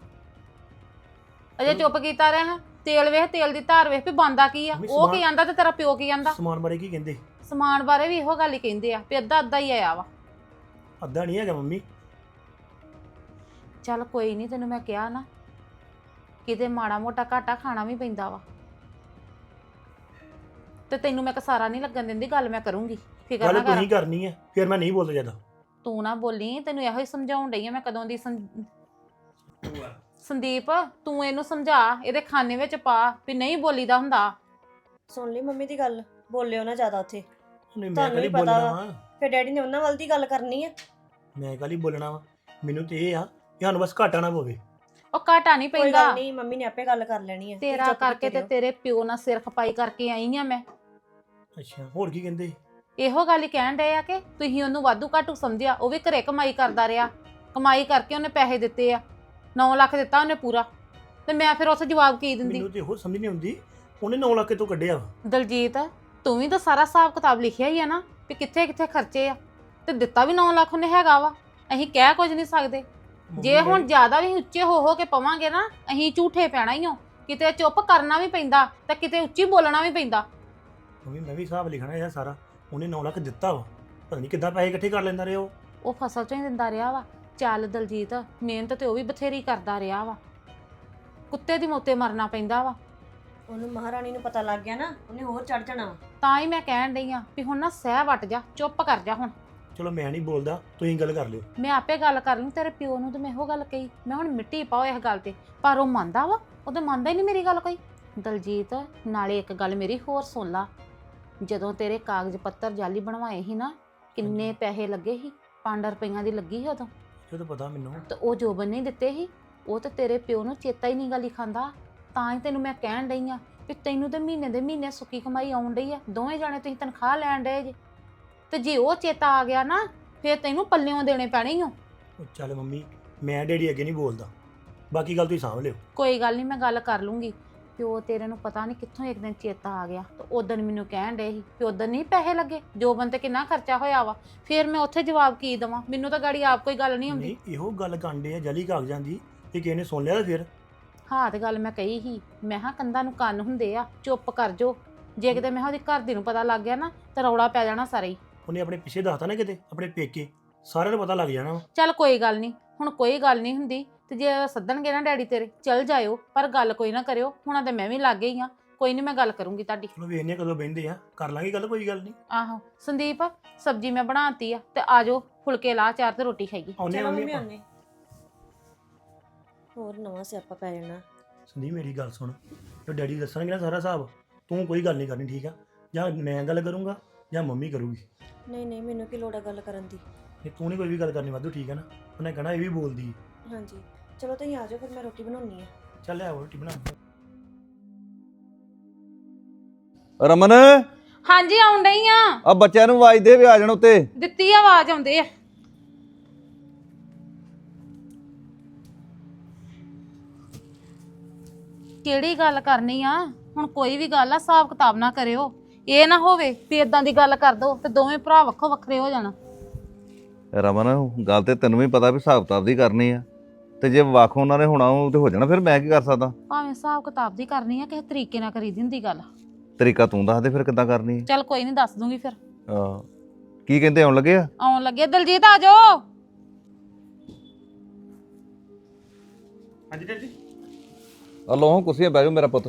ਅਜੇ ਚੁੱਪ ਕੀਤਾ ਰਹੇ ਹਾਂ। ਤੇਲ ਵੇਖ, ਤੇਲ ਦੀ ਧਾਰ ਵੇਖ ਵੀ ਬੰਦਾ ਕੀ ਆ। ਮੰਮੀ ਉਹ ਕੀ ਸਮਾਨ- ਆਂਦਾ ਤੇ ਤੇਰਾ ਪਿਓ ਕੀ ਆਂਦਾ? ਸਮਾਨ ਬਾਰੇ ਕੀ ਕਹਿੰਦੇ? ਸਮਾਨ ਬਾਰੇ ਵੀ ਇਹੋ ਗੱਲ ਹੀ ਕਹਿੰਦੇ ਆ ਵੀ ਅੱਧਾ ਅੱਧਾ ਹੀ ਆਇਆ ਵਾ। ਅੱਧਾ ਨਹੀਂ ਹੈਗਾ ਮੰਮੀ। ਚੱਲ ਕੋਈ ਨਹੀਂ, ਤੈਨੂੰ ਮੈਂ ਕਿਹਾ ਨਾ ਕਿਤੇ ਮਾੜਾ ਮੋਟਾ ਘਾਟਾ ਖਾਣਾ ਵੀ ਪੈਂਦਾ ਵਾ, ਤੇ ਤੈਨੂੰ ਮੈਂ ਕਸਾਰਾ ਨਹੀਂ ਲੱਗਣ ਦਿੰਦੀ। ਗੱਲ ਮੈਂ ਕਰੂੰਗੀ, ਫਿਕਰ ਗੱਲ ਨਾ ਕਰ। ਤੁਸੀਂ ਕਰਨੀ ਹੈ, ਫਿਰ ਮੈਂ ਨਹੀਂ ਬੋਲਦਾ ਜ਼ਿਆਦਾ। ਤੂੰ ਨਾ ਬੋਲੀ, ਤੈਨੂੰ ਇਹੋ ਹੀ ਸਮਝਾਉਣ ਡਈ ਆ ਮੈਂ ਕਦੋਂ ਦੀ। ਸੰ- ਸੰਦੀਪ ਤੂੰ ਇਹਨੂੰ ਸਮਝਾ, ਇਹਦੇ ਖਾਨੇ ਵਿੱਚ ਪਾ ਵੀ ਨਹੀਂ ਬੋਲੀਦਾ ਹੁੰਦਾ। ਸੁਣ ਲਈ ਮੰਮੀ ਦੀ ਗੱਲ, ਬੋਲਿਓ ਨਾ ਜ਼ਿਆਦਾ ਉੱਥੇ। ਨਹੀਂ ਮੈਂ ਤੁਹਾਨੂੰ ਕਾਲੀ ਵੀ ਪਤਾ ਬੋਲਣਾ ਵਾ। ਵਾ, ਫਿਰ ਡੈਡੀ ਨੇ ਉਹਨਾਂ ਵੱਲ ਦੀ ਗੱਲ ਕਰਨੀ ਆ। ਮੈਂ ਕਾਲੀ ਬੋਲਣਾ ਵਾ। ਮੈਨੂੰ ਤੇ ਇਹ ਆ ਕਿ ਸਾਨੂੰ ਬਸ ਘਾਟਾ ਨਾ ਪਵੇ। ਉਹ ਘਾਟਾ ਨਹੀਂ ਕੋਈ ਪੈਂਦਾ ਗੱਲ ਨਹੀਂ, ਮੰਮੀ ਨੇ ਆਪੇ ਗੱਲ ਕਰ ਲੈਣੀ ਆ। ਤੇਰਾ ਕਰਕੇ ਤੇ ਤੇਰੇ ਪਿਓ ਨਾਲ ਸਿਰ ਖਪਾਈ ਕਰਕੇ ਆਈ ਆ ਮੈਂ। ਅੱਛਾ ਹੋਰ ਕੀ ਕਹਿੰਦੇ? ਇਹੋ ਗੱਲ ਹੀ ਕਹਿਣ ਡਏ ਆ ਕਿ ਤੁਸੀਂ ਉਹਨੂੰ ਵਾਧੂ ਘਾਟੂ ਸਮਝਿਆ। ਉਹ ਵੀ ਘਰੇ ਕਮਾਈ ਕਰਦਾ ਰਿਹਾ, ਕਮਾਈ ਕਰਕੇ ਉਹਨੇ ਪੈਸੇ ਦਿੱਤੇ ਆ, ਨੌ ਲੱਖ ਦਿੱਤਾ ਉਹਨੇ ਪੂਰਾ। ਤੇ ਮੈਂ ਫਿਰ ਉੱਥੇ ਜਵਾਬ ਕੀ ਦਿੰਦੀ? ਮੈਨੂੰ ਤੇ ਹੋਰ ਸਮਝ ਨਹੀਂ ਆਉਂਦੀ, ਉਹਨੇ ਨੌ ਲੱਖ ਤੋਂ ਕੱਢਿਆ ਵਾ। ਦਲਜੀਤ ਤੂੰ ਵੀ ਤਾਂ ਸਾਰਾ ਹਿਸਾਬ ਕਿਤਾਬ ਲਿਖਿਆ ਹੀ ਆ ਨਾ ਵੀ ਕਿੱਥੇ ਕਿੱਥੇ ਖਰਚੇ ਆ, ਤੇ ਦਿੱਤਾ ਵੀ ਨੌ ਲੱਖ ਉਹਨੇ ਹੈਗਾ ਵਾ। ਅਸੀਂ ਕਹਿ ਕੁਝ ਨਹੀਂ ਸਕਦੇ। ਜੇ ਮੰਮੀ ਹੁਣ ਜ਼ਿਆਦਾ ਵੀ ਉੱਚੇ ਹੋ ਹੋ ਕੇ ਪਵਾਂਗੇ ਨਾ ਅਸੀਂ ਝੂਠੇ ਪੈਣਾ ਹੀ ਹੋ। ਕਿਤੇ ਚੁੱਪ ਕਰਨਾ ਵੀ ਪੈਂਦਾ ਤੇ ਕਿਤੇ ਉੱਚੀ ਬੋਲਣਾ ਵੀ ਪੈਂਦਾ। ਮੰਮੀ ਮੈਂ ਵੀ ਹਿਸਾਬ ਲਿਖਣਾ ਇਹ ਸਾਰਾ। ਉਹਨੇ ਨੌ ਲੱਖ ਦਿੱਤਾ ਵਾ, ਪਤਾ ਨਹੀਂ ਕਿੱਦਾਂ ਪੈਸੇ ਇਕੱਠੇ ਕਰ ਲੈਂਦਾ ਰਿਹਾ ਉਹ। ਉਹ ਫਸਲ ਚੋਂ ਹੀ ਦਿੰਦਾ ਰਿਹਾ ਵਾ। ਚੱਲ ਦਲਜੀਤ, ਮਿਹਨਤ ਤੇ ਉਹ ਵੀ ਬਥੇਰੀ ਕਰਦਾ ਰਿਹਾ ਵਾ, ਕੁੱਤੇ ਦੀ ਮੋਤੇ ਮਰਨਾ ਪੈਂਦਾ ਵਾ। ਉਹਨੂੰ ਮਹਾਰਾਣੀ ਨੂੰ ਪਤਾ ਲੱਗ ਗਿਆ ਨਾ, ਉਹਨੇ ਹੋਰ ਚੜ ਜਾਣਾ ਵਾ। ਤਾਂ ਹੀ ਮੈਂ ਕਹਿਣ ਡਈ ਆ ਵੀ ਹੁਣ ਨਾ ਸਹਿ ਵੱਟ ਜਾ, ਚੁੱਪ ਕਰ ਜਾ ਹੁਣ। ਚਲੋ ਮੈਂ ਨਹੀਂ ਬੋਲਦਾ, ਤੁਸੀਂ ਗੱਲ ਕਰ ਲਿਓ। ਮੈਂ ਆਪੇ ਗੱਲ ਕਰ ਲੂੰ। ਤੇਰੇ ਪਿਓ ਨੂੰ ਤੇ ਮੈਂ ਇਹੋ ਗੱਲ ਕਹੀ, ਮੈਂ ਹੁਣ ਮਿੱਟੀ ਪਾਓ ਇਸ ਗੱਲ ਤੇ, ਪਰ ਉਹ ਮੰਨਦਾ ਵਾ? ਉਹ ਤਾਂ ਮੰਨਦਾ ਹੀ ਨਹੀਂ ਮੇਰੀ ਗੱਲ ਕੋਈ। ਦਲਜੀਤ ਨਾਲੇ ਇੱਕ ਗੱਲ ਮੇਰੀ ਹੋਰ ਸੁਣ ਲਾ, ਜਦੋਂ ਤੇਰੇ ਕਾਗਜ਼ ਪੱਤਰ ਜਾਲੀ ਬਣਵਾਏ ਸੀ ਨਾ, ਕਿੰਨੇ ਪੈਸੇ ਲੱਗੇ ਸੀ? ਪੰਜ ਰੁਪਈਆਂ ਦੀ ਲੱਗੀ ਸੀ ਉਦੋਂ। ਇਹ ਤਾਂ ਪਤਾ ਮੈਨੂੰ। ਤੇ ਉਹ ਜੋਬਨ ਨੇ ਦਿੱਤੇ ਸੀ, ਉਹ ਤੇ ਤੇਰੇ ਪਿਓ ਨੂੰ ਚੇਤਾ ਹੀ ਨਹੀਂ ਗੱਲ ਹੀ ਖਾਂਦਾ। ਤਾਂ ਹੀ ਤੈਨੂੰ ਮੈਂ ਕਹਿਣ ਡਈ ਆ ਵੀ ਤੈਨੂੰ ਤੇ ਮਹੀਨੇ ਦੇ ਮਹੀਨੇ ਸੁੱਕੀ ਕਮਾਈ ਆਉਣ ਡਈ ਆ, ਦੋਵੇਂ ਜਾਣੇ ਤੁਸੀਂ ਤਨਖਾਹ ਲੈਣ ਡਏ ਜੇ। ਤੇ ਜੇ ਉਹ ਚੇਤਾ ਆ ਗਿਆ ਨਾ ਫੇਰ ਤੈਨੂੰ ਪੱਲਿਓਂ ਦੇਣੇ ਪੈਣੇ ਓ। ਉਹ ਚੱਲ ਮੰਮੀ, ਮੈਂ ਡੈਡੀ ਅੱਗੇ ਨਹੀਂ ਬੋਲਦਾ, ਬਾਕੀ ਗੱਲ ਤੁਸੀਂ ਸਾਂਭ ਲਿਓ। ਕੋਈ ਗੱਲ ਨਹੀਂ, ਮੈਂ ਗੱਲ ਕਰ ਲੂੰਗੀ। ਪਿਓ ਤੇਰੇ ਨੂੰ ਪਤਾ ਨਹੀਂ ਕਿੱਥੋਂ ਇੱਕ ਦਿਨ ਚੇਤਾ ਆ ਗਿਆ ਤੇ ਉਦੋਂ ਮੈਨੂੰ ਕਹਿਣ ਡੇ ਸੀ ਕਿ ਉਦੋਂ ਨਹੀਂ ਪੈਸੇ ਲੱਗੇ, ਜੋਬਨ ਤੇ ਕਿੰਨਾ ਖਰਚਾ ਹੋਇਆ ਵਾ। ਫਿਰ ਮੈਂ ਉੱਥੇ ਜਵਾਬ ਕੀ ਦੇਵਾਂ? ਮੈਨੂੰ ਤਾਂ ਗਾੜੀ ਆਪ ਕੋਈ ਗੱਲ ਨਹੀਂ ਆਉਂਦੀ। ਨਹੀਂ, ਇਹੋ ਗੱਲ ਕਾਂਡੇ ਆ ਜਲੀ ਕਾਗਜ਼ਾਂ ਦੀ, ਇਹ ਕਿਸੇ ਨੇ ਸੁਣ ਲਿਆ ਤਾਂ ਫਿਰ ਹਾਂ ਤੇ ਗੱਲ ਮੈਂ ਕਹੀ ਸੀ, ਮੈਂ ਹਾਂ ਕੰਧਾਂ ਨੂੰ ਕੰਨ ਹੁੰਦੇ ਆ, ਚੁੱਪ ਕਰ ਜੋ। ਜੇ ਕਿਤੇ ਮੈਂ ਉਹਦੀ ਘਰ ਦੀ ਨੂੰ ਪਤਾ ਲੱਗ ਗਿਆ ਨਾ ਤਾਂ ਰੌਲਾ ਪੈ ਜਾਣਾ ਸਾਰਾ ਹੀ। ਉਹਨੇ ਆਪਣੇ ਪਿੱਛੇ ਦੱਸਤਾ ਨਾ ਕਿਤੇ ਆਪਣੇ ਪੇਕੇ, ਸਾਰਿਆਂ ਨੂੰ ਪਤਾ ਲੱਗ ਜਾਣਾ ਵਾ। ਚੱਲ ਕੋਈ ਗੱਲ ਨਹੀਂ, ਹੁਣ ਕੋਈ ਗੱਲ ਨਹੀਂ ਹੁੰਦੀ ਤੇ ਜੇ ਸੱਦਣਗੇ ਨਾ ਡੈਡੀ ਤੇਰੇ ਚੱਲ ਜਾਇਓ, ਪਰ ਗੱਲ ਕੋਈ ਨਾ ਕਰਿਓ। ਹੁਣਾਂ ਤੇ ਮੈਂ ਵੀ ਲੱਗ ਗਈ ਆ, ਕੋਈ ਨਹੀਂ ਮੈਂ ਗੱਲ ਕਰੂੰਗੀ ਤੁਹਾਡੀ। ਚਲੋ ਵੇਖਨੇ ਆ ਕਦੋਂ ਬਹਿੰਦੇ ਆ, ਕਰ ਲਾਂਗੇ ਗੱਲ, ਕੋਈ ਗੱਲ ਨਹੀਂ। ਆਹੋ ਸੰਦੀਪ, ਸਬਜ਼ੀ ਮੈਂ ਬਣਾਤੀ ਆ ਤੇ ਆ ਜਾਓ, ਫੁਲਕੇ ਲਾ ਚਾਰ ਤੇ ਰੋਟੀ ਖਾਈਏ। ਆਉਨੇ ਚਲੋ ਮੰਮੀ ਮੰਮੀ ਆਪਾਂ। ਆਉਨੇ। ਹੋਰ ਨਵਾਂ ਸਿਆਪਾ ਪੈ ਜਾਣਾ। ਸੰਦੀਪ ਮੇਰੀ ਗੱਲ ਸੁਣ, ਜੋ ਡੈਡੀ ਦੱਸਣਗੇ ਨਾ ਸਾਰਾ ਹਿਸਾਬ, ਤੂੰ ਕੋਈ ਗੱਲ ਨਹੀਂ ਕਰਨੀ, ਠੀਕ ਆ? ਜਾਂ ਮੈਂ ਗੱਲ ਕਰੂੰਗਾ ਜਾਂ ਮੰਮੀ ਕਰੂਗੀ। ਨਹੀਂ ਨਹੀਂ, ਮੈਨੂੰ ਕੀ ਲੋੜ ਆ ਗੱਲ ਕਰਨ ਦੀ। ਨਹੀਂ, ਤੂੰ ਨਹੀਂ ਕੋਈ ਵੀ ਗੱਲ ਕਰਨੀ ਵਾਧੂ, ਠੀਕ ਹੈ ਨਾ? ਉਹਨੇ ਕਹਿਣਾ ਇਹ ਵੀ ਬੋਲਦੀ ਹੈ। ਹਾਂਜੀ ਚਲੋ ਤੁਸੀਂ ਆ ਜਾਓ, ਫਿਰ ਮੈਂ ਰੋਟੀ ਬਣਾਉਣੀ ਆ। ਚੱਲ ਆ ਰੋਟੀ ਬਣਾ। ਰਮਨ, ਹਾਂਜੀ ਆਉਣ ਡਈ ਆ। ਆ ਬੱਚਿਆਂ ਨੂੰ ਆਵਾਜ਼ ਦੇ ਵੀ ਆ ਜਾਣ ਉੱਤੇ। ਦਿੱਤੀ ਆ ਆਵਾਜ਼, ਆਉਂਦੇ ਆ। ਕਿਹੜੀ ਗੱਲ ਕਰਨੀ ਆ ਹੁਣ? ਕੋਈ ਵੀ ਗੱਲ ਆ ਹਿਸਾਬ ਕਿਤਾਬ ਨਾ ਕਰਿਓ, ਇਹ ਨਾ ਹੋਵੇ ਵੀ ਇਦਾਂ ਦੀ ਗੱਲ ਕਰ ਦੋ ਤੇ ਦੋਵੇਂ ਭਰਾ ਵੱਖੋ ਵੱਖਰੇ ਹੋ ਜਾਣਾ। ਰਮਨ, ਗੱਲ ਤੇ ਤੈਨੂੰ ਵੀ ਪਤਾ ਵੀ ਹਿਸਾਬ ਕਿਤਾਬ ਦੀ ਕਰਨੀ ਆ, ਤੇ ਜੇ ਵੱਖ ਉਹਨਾਂ ਨੇ ਹੋਣਾ ਉਹ ਤੇ ਹੋ ਜਾਣਾ, ਫਿਰ ਮੈਂ ਕੀ ਕਰ ਸਕਦਾ? ਭਾਵੇਂ ਹਿਸਾਬ ਕਿਤਾਬ ਦੀ ਕਰਨੀ ਆ, ਕਿਸੇ ਤਰੀਕੇ ਨਾਲ ਕਰੀ ਦੀ ਹੁੰਦੀ ਗੱਲ। ਤਰੀਕਾ ਤੂੰ ਦੱਸ ਦੇ ਫਿਰ ਕਿੱਦਾਂ ਕਰਨੀ ਹੈ। ਚੱਲ ਕੋਈ ਨਹੀਂ, ਦੱਸ ਦੂੰਗੀ ਫਿਰ। ਆਹ, ਕੀ ਕਹਿੰਦੇ ਆਉਣ ਲੱਗੇ ਆ? ਆਉਣ ਲੱਗੇ। ਦਲਜੀਤ ਆ ਜਾਓ। ਹਾਂਜੀ ਡੈਡੀ। ਆ ਲੋ ਕੁਰਸੀਆਂ ਬਹਿ ਜਾਓ ਮੇਰਾ ਪੁੱਤ।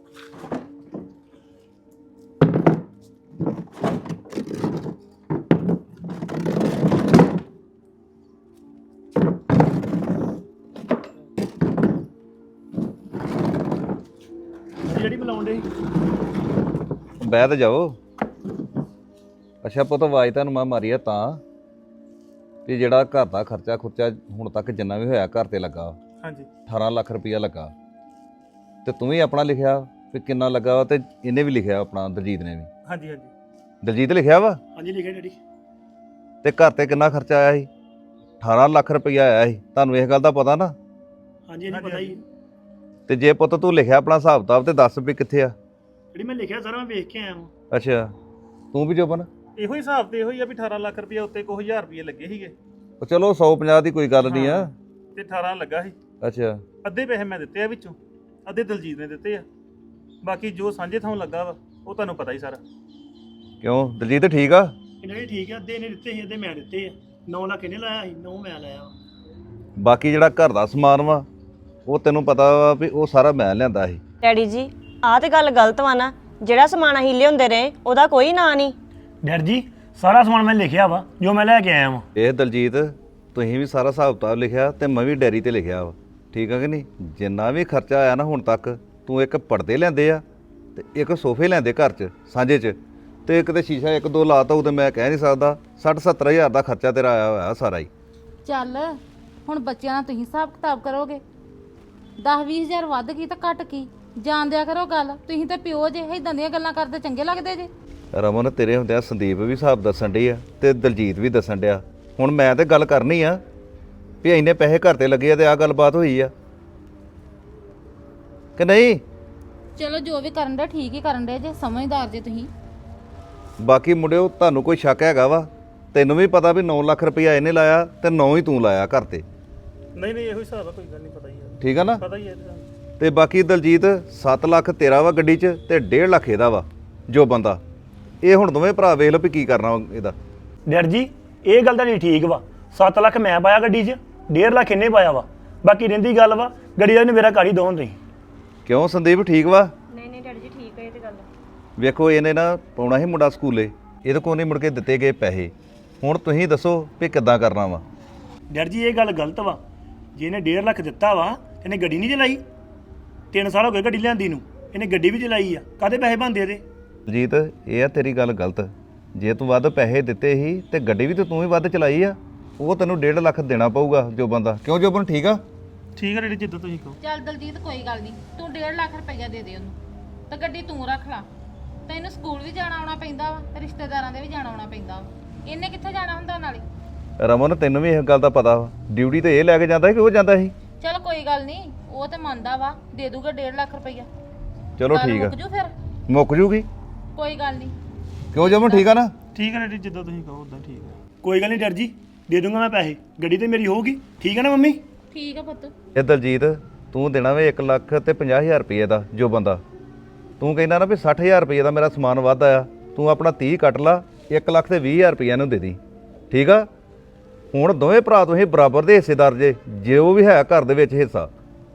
ਜਿਹੜੀ ਬੁਲਾਉਣ ਦੇ ਬਹਿ ਤੇ ਜਾਓ। ਅੱਛਾ ਪੁੱਤ, ਆਵਾਜ਼ ਤੁਹਾਨੂੰ ਮੈਂ ਮਾਰੀ ਆ ਤਾਂ ਵੀ ਜਿਹੜਾ ਘਰ ਦਾ ਖਰਚਾ ਖੁਰਚਾ ਹੁਣ ਤੱਕ ਜਿੰਨਾ ਵੀ ਹੋਇਆ ਘਰ ਤੇ ਲੱਗਾ ਹਾਂਜੀ ਅਠਾਰਾਂ ਲੱਖ ਰੁਪਈਆ ਲੱਗਾ, ਤੇ ਤੂੰ ਵੀ ਆਪਣਾ ਲਿਖਿਆ ਵੀ ਕਿੰਨਾ ਲੱਗਾ ਵਾ, ਤੇ ਇਹਨੇ ਵੀ ਲਿਖਿਆ ਆਪਣਾ, ਦਲਜੀਤ ਨੇ ਵੀ। ਹਾਂਜੀ ਹਾਂਜੀ ਦਲਜੀਤ ਲਿਖਿਆ ਵਾ। ਹਾਂਜੀ ਲਿਖਿਆ ਡੈਡੀ। ਤੇ ਘਰ ਤੇ ਕਿੰਨਾ ਖਰਚਾ ਆਇਆ ਸੀ? ਅਠਾਰਾਂ ਲੱਖ ਰੁਪਈਆ ਆਇਆ ਸੀ, ਤੁਹਾਨੂੰ ਇਸ ਗੱਲ ਦਾ ਪਤਾ ਨਾ? ਹਾਂਜੀ ਹਾਂਜੀ ਪਤਾ ਹੀ। ਤੇ ਜੇ ਪੁੱਤ ਤੂੰ ਲਿਖਿਆ ਆਪਣਾ ਹਿਸਾਬ ਕਿਤਾਬ ਤੇ ਦੱਸ ਵੀ ਕਿੱਥੇ ਆ। ਜਿਹੜੀ ਮੈਂ ਲਿਖਿਆ ਸਾਰਾ ਮੈਂ ਵੇਖ ਕੇ ਆਇਆ ਹਾਂ। ਅੱਛਾ, ਤੂੰ ਵੀ ਜੋਬਨ? ਇਹੋ ਹੀ ਹਿਸਾਬ ਤੇ ਇਹੋ ਹੀ ਆ ਵੀ ਅਠਾਰਾਂ ਲੱਖ ਰੁਪਏ ਉੱਤੇ ਕੁਝ ਹਜ਼ਾਰ ਰੁਪਏ ਲੱਗੇ ਸੀਗੇ ਉਹ ਚਲੋ ਸੌ ਪੰਜਾਹ ਦੀ ਕੋਈ ਗੱਲ ਨਹੀਂ ਆ। ਤੇ ਅਠਾਰਾਂ ਲੱਗਾ ਸੀ। ਅੱਛਾ, ਅੱਧੇ ਪੈਸੇ ਮੈਂ ਦਿੱਤੇ ਆ ਵਿੱਚੋਂ, ਅੱਧੇ ਦਲਜੀਤ ਨੇ ਦਿੱਤੇ ਆ, ਬਾਕੀ ਜੋ ਸਾਂਝੇ ਥਾਂ ਲੱਗਾ ਵਾ ਉਹ ਤੁਹਾਨੂੰ ਪਤਾ ਹੀ ਸਾਰਾ। ਕਿਉਂ ਦਲਜੀਤ ਠੀਕ ਆ? ਇਹਨਾਂ ਨੇ ਠੀਕ ਆ, ਅੱਧੇ ਇਹਨੇ ਦਿੱਤੇ ਸੀ, ਅੱਧੇ ਮੈਂ ਦਿੱਤੇ ਆ। ਨੌ ਲੱਖ ਇਹਨੇ ਲਾਇਆ ਸੀ, ਨੌ ਮੈਂ ਲਾਇਆ ਵਾ। ਬਾਕੀ ਜਿਹੜਾ ਘਰ ਦਾ ਸਮਾਨ ਵਾ ਉਹ ਤੈਨੂੰ ਪਤਾ ਵਾ ਵੀ ਉਹ ਸਾਰਾ ਮੈਂ ਲਿਆਂਦਾ ਸੀ। ਡੈਡੀ ਜੀ, ਆਹ ਤੇ ਗੱਲ ਗਲਤ ਵਾ ਨਾ। ਜਿਹੜਾ ਸਮਾਨ ਅਸੀਂ ਲਿਆਉਂਦੇ ਰਹੇ ਉਹਦਾ ਕੋਈ ਨਾਂ ਨਹੀਂ। ਡੈਡ ਜੀ, ਸਾਰਾ ਸਮਾਨ ਮੈਂ ਲਿਖਿਆ ਵਾ ਜੋ ਮੈਂ ਲੈ ਕੇ ਆਇਆ ਵਾਂ। ਇਹ ਦਲਜੀਤ, ਤੁਸੀਂ ਵੀ ਸਾਰਾ ਹਿਸਾਬ ਕਿਤਾਬ ਲਿਖਿਆ ਤੇ ਮੈਂ ਵੀ ਡੈਰੀ ਤੇ ਲਿਖਿਆ ਵਾ, ਠੀਕ ਆ ਕਿ ਨਹੀਂ? ਜਿੰਨਾ ਵੀ ਖਰਚਾ ਆਇਆ ਨਾ ਹੁਣ ਤੱਕ, ਤੂੰ ਇੱਕ ਪਰਦੇ ਲਿਆਂਦੇ ਆ ਤੇ ਇੱਕ ਸੋਫੇ ਲਿਆਂਦੇ ਘਰ 'ਚ ਸਾਂਝੇ 'ਚ, ਤੇ ਇੱਕ ਤੇ ਸ਼ੀਸ਼ਾ ਇੱਕ ਦੋ ਲਾਤਾ, ਉਹ ਤੇ ਮੈਂ ਕਹਿ ਨਹੀਂ ਸਕਦਾ। ਸੱਠ ਸੱਤਰ ਹਜ਼ਾਰ ਦਾ ਖਰਚਾ ਤੇਰਾ ਆਇਆ ਹੋਇਆ ਸਾਰਾ ਹੀ। ਚੱਲ ਹੁਣ ਬੱਚਿਆਂ ਨਾਲ ਤੁਸੀਂ ਹਿਸਾਬ ਕਿਤਾਬ ਕਰੋਗੇ, ਦਸ ਵੀਹ ਹਜ਼ਾਰ ਵੱਧ ਕੀ ਤਾਂ ਘੱਟ ਕੀ, ਜਾਣ ਦਿਆ ਕਰੋ ਗੱਲ। ਤੁਸੀਂ ਤਾਂ ਪਿਓ ਜੇ, ਇਦਾਂ ਦੀਆਂ ਗੱਲਾਂ ਕਰਦੇ ਚੰਗੇ ਲੱਗਦੇ ਜੇ। ਰਮਨ, ਤੇਰੇ ਹੁੰਦਿਆਂ ਸੰਦੀਪ ਵੀ ਹਿਸਾਬ ਦੱਸਣ ਡਈ ਆ ਤੇ ਦਲਜੀਤ ਵੀ ਦੱਸਣ ਡਿਆ। ਹੁਣ ਮੈਂ ਤੇ ਗੱਲ ਕਰਨੀ ਆ ਵੀ ਇੰਨੇ ਪੈਸੇ ਘਰ ਤੇ ਲੱਗੇ ਆ ਤੇ ਆਹ ਗੱਲਬਾਤ ਹੋਈ ਆ ਕਿ ਨਹੀਂ? ਚਲੋ ਜੋ ਵੀ ਕਰਨ ਦੇ ਠੀਕ ਹੀ ਕਰਨ ਦੇ ਜੇ, ਸਮਝਦਾਰ ਜੇ ਤੁਸੀਂ। ਬਾਕੀ ਮੁੰਡਿਓ, ਤੁਹਾਨੂੰ ਕੋਈ ਸ਼ੱਕ ਹੈਗਾ ਵਾ? ਤੈਨੂੰ ਵੀ ਪਤਾ ਵੀ ਨੌ ਲੱਖ ਰੁਪਈਆ ਇਹਨੇ ਲਾਇਆ ਤੇ ਨੌ ਹੀ ਤੂੰ ਲਾਇਆ ਘਰ ਤੇ, ਨਹੀਂ ਨਹੀਂ ਇਹੋ ਹੀ ਹਿਸਾਬ ਆ, ਕੋਈ ਗੱਲ ਨਹੀਂ, ਪਤਾ ਹੀ ਆ, ਠੀਕ ਆ ਨਾ? ਪਤਾ ਹੀ ਹੈ ਇਹਦਾ। ਤੇ ਬਾਕੀ ਦਲਜੀਤ ਸੱਤ ਲੱਖ ਤੇਰਾ ਵਾ ਗੱਡੀ 'ਚ ਤੇ ਡੇਢ ਲੱਖ ਇਹਦਾ ਵਾ ਜੋ ਬੰਦਾ। ਇਹ ਹੁਣ ਦੋਵੇਂ ਭਰਾ ਵੇਖ ਲਓ ਵੀ ਕੀ ਕਰਨਾ ਇਹਦਾ। ਡੈਡ ਜੀ, ਇਹ ਗੱਲ ਤਾਂ ਨਹੀਂ ਠੀਕ ਵਾ। ਸੱਤ ਲੱਖ ਮੈਂ ਪਾਇਆ ਗੱਡੀ 'ਚ, ਡੇਢ ਲੱਖ ਇਹਨੇ ਪਾਇਆ ਵਾ। ਬਾਕੀ ਰਹਿੰਦੀ ਗੱਲ ਵਾ ਗੱਡੀ ਦਾ, ਇਹਨੇ ਮੇਰਾ ਘਰ ਹੀ ਦੋਨ ਰਹੀ। ਕਿਉਂ ਸੰਦੀਪ, ਠੀਕ ਵਾ? ਨਹੀਂ ਨਹੀਂ ਡੈਡੀ ਜੀ, ਠੀਕ ਹੈ ਇਹ ਤੇ ਗੱਲ। ਵੇਖੋ, ਇਹਨੇ ਨਾ ਪਾਉਣਾ ਸੀ ਮੁੰਡਾ ਸਕੂਲੇ, ਇਹਦੇ ਕੋਲ ਨਹੀਂ ਮੁੜ ਕੇ ਦਿੱਤੇ ਗਏ ਪੈਸੇ। ਹੁਣ ਤੁਸੀਂ ਦੱਸੋ ਵੀ ਕਿੱਦਾਂ ਕਰਨਾ ਵਾ? ਡੈਡ ਜੀ, ਇਹ ਗੱਲ ਗਲਤ ਵਾ। ਜੇ ਇਹਨੇ ਡੇਢ ਲੱਖ ਦਿੱਤਾ ਵਾ, ਇਹਨੇ ਗੱਡੀ ਨਹੀਂ ਚਲਾਈ। ਤਿੰਨ ਸਾਲ ਹੋ ਗਏ ਗੱਡੀ ਲਿਆਂਦੀ ਨੂੰ, ਇਹਨੇ ਗੱਡੀ ਵੀ ਚਲਾਈ ਆ। ਕਾਹਦੇ ਪੈਸੇ ਬਣਦੇ ਇਹਦੇ? ਜੀਤ, ਇਹ ਆ ਤੇਰੀ ਗੱਲ ਗਲਤ। ਜੇ ਤੂੰ ਵੱਧ ਪੈਸੇ ਦਿੱਤੇ ਸੀ ਤੇ ਗੱਡੀ ਵੀ ਤੇ ਤੂੰ ਹੀ ਵੱਧ ਚਲਾਈ ਆ, ਉਹ ਤੈਨੂੰ ਡੇਢ ਲੱਖ ਦੇਣਾ ਪਊਗਾ ਜੋ ਬੰਦਾ। ਕਿਉਂ ਜੋਬਨ, ਠੀਕ ਆ? ਠੀਕ ਹੈ ਡੈਡੀ, ਜਿੱਦਾਂ ਤੁਸੀਂ ਕਹੋ। ਚੱਲ ਦਲਜੀਤ ਕੋਈ ਗੱਲ ਨਹੀਂ, ਤੂੰ ਡੇਢ ਲੱਖ ਰੁਪਈਆ ਦੇ ਦੇ ਉਹਨੂੰ ਤੇ ਗੱਡੀ ਤੂੰ ਰੱਖ ਲਾ। ਤੈਨੂੰ ਸਕੂਲ ਵੀ ਜਾਣਾ ਆਉਣਾ ਪੈਂਦਾ ਵਾ, ਰਿਸ਼ਤੇਦਾਰਾਂ ਦੇ ਵੀ ਜਾਣਾ ਆਉਣਾ ਪੈਂਦਾ ਵਾ। ਇਹਨੇ ਕਿੱਥੇ ਜਾਣਾ ਹੁੰਦਾ ਨਾਲੇ? ਰਮਨ ਤੈਨੂੰ ਵੀ ਇਸ ਗੱਲ ਦਾ ਪਤਾ ਵਾ ਡਿਊਟੀ ਤੇ ਇਹ ਲੈ ਕੇ ਜਾਂਦਾ ਸੀ ਕਿ ਉਹ ਜਾਂਦਾ ਸੀ? ਚਲ ਕੋਈ ਗੱਲ ਨਹੀਂ, ਉਹ ਤੇ ਮੰਨਦਾ ਵਾ, ਦੇ ਦੂਗਾ ਡੇਢ ਲੱਖ ਰੁਪਈਆ। ਚਲੋ ਠੀਕ ਆ, ਮੁੱਕ ਜੂ ਫਿਰ? ਮੁੱਕ ਜੂਗੀ। ਕੋਈ ਗੱਲ ਨਹੀਂ। ਕਿਉਂ ਜਮਨ ਠੀਕ ਆ ਨਾ? ਠੀਕ ਹੈ ਡੈਡੀ, ਜਿੱਦਾਂ ਤੁਸੀਂ ਕਹੋ ਉਦਾਂ ਠੀਕ ਹੈ। ਕੋਈ ਗੱਲ ਨਹੀਂ ਡਰ ਜੀ, ਦੇ ਦੂੰਗਾ ਮੈਂ ਪੈਸੇ, ਗੱਡੀ ਤੇ ਮੇਰੀ ਹੋਊਗੀ। ਠੀਕ ਹੈ ਨਾ ਮੰਮੀ? ਠੀਕ ਆ ਪੁੱਤ। ਇਹ ਦਲਜੀਤ ਤੂੰ ਦੇਣਾ ਵੇ ਇੱਕ ਲੱਖ ਤੇ ਪੰਜਾਹ ਹਜ਼ਾਰ ਰੁਪਏ ਦਾ ਜੋ ਬੰਦਾ ਤੂੰ ਕਹਿੰਦਾ ਨਾ ਵੀ ਸੱਠ ਹਜ਼ਾਰ ਰੁਪਏ ਦਾ ਮੇਰਾ ਸਮਾਨ ਵੱਧ ਆਇਆ, ਤੂੰ ਆਪਣਾ ਤੀਹ ਕੱਟ ਲਾ, ਇੱਕ ਲੱਖ ਤੇ ਵੀਹ ਹਜ਼ਾਰ ਰੁਪਏ ਨੂੰ ਦੇ ਦੀ। ਠੀਕ ਆ? ਹੁਣ ਦੋਵੇਂ ਭਰਾ ਤੁਸੀਂ ਬਰਾਬਰ ਦੇ ਹਿੱਸੇਦਾਰ ਜੇ, ਜੋ ਵੀ ਹੈ ਘਰ ਦੇ ਵਿੱਚ ਹਿੱਸਾ।